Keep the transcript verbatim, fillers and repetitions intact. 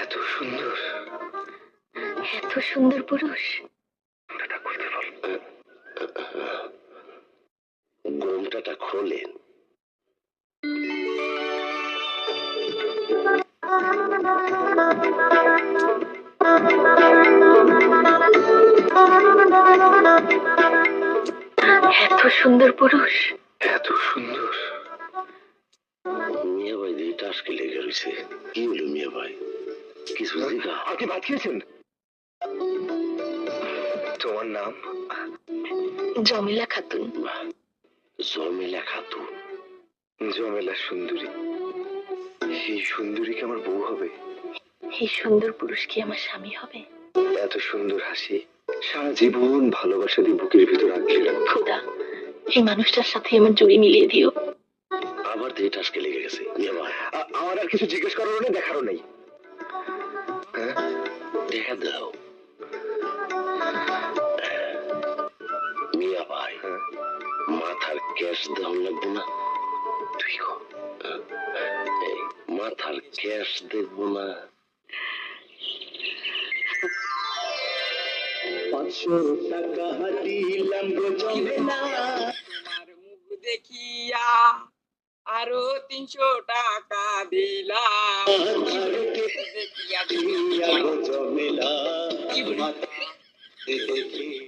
এত সুন্দর, এত সুন্দর পুরুষ। ঘোমটাটা খুলতে বল। ঘোমটাটা খোলেন। এত সুন্দর পুরুষ, এত সুন্দর। মিয়া ভাই দিয়ে টাসকে লেগে রয়েছে। কি হলো মিয়া ভাই? কিছু জিগা? আপনি ভাত খেয়েছেন? তোমার নাম? জমিলা খাতুন। জমিলা খাতুন? জমেলা সুন্দরী। এই সুন্দরী কি আমার বউ হবে? এই সুন্দর পুরুষ কি আমার স্বামী হবে? এত সুন্দর হাসি, সারা জীবন ভালোবাসা দিয়ে বুকের ভিতর আঁকড়ে রাখবো। খোদা, এই মানুষটার সাথে আমার জুড়ি মিলিয়ে দিও। আবার দিয়ে টাসকে লেগে গেছে। মিয়া ভাই আ- আমার আর কিছু জিজ্ঞেস করারও নেই, দেখারও নেই। হ্যাঁ, দেখা দাও। মিয়া ভাই হ্যাঁ, মাথার ক্যাশ দেওয়া লাগবে না? তুই গো। এই মাথার ক্যাশ দেখবো না? পাঁচশো টাকা দিলাম গো জমেলা, তোমার মুখ দেখিয়া আরো তিনশো টাকা দিলাম। দেখিয়া দিয়া গো জমেলা, কি বলি? দেখি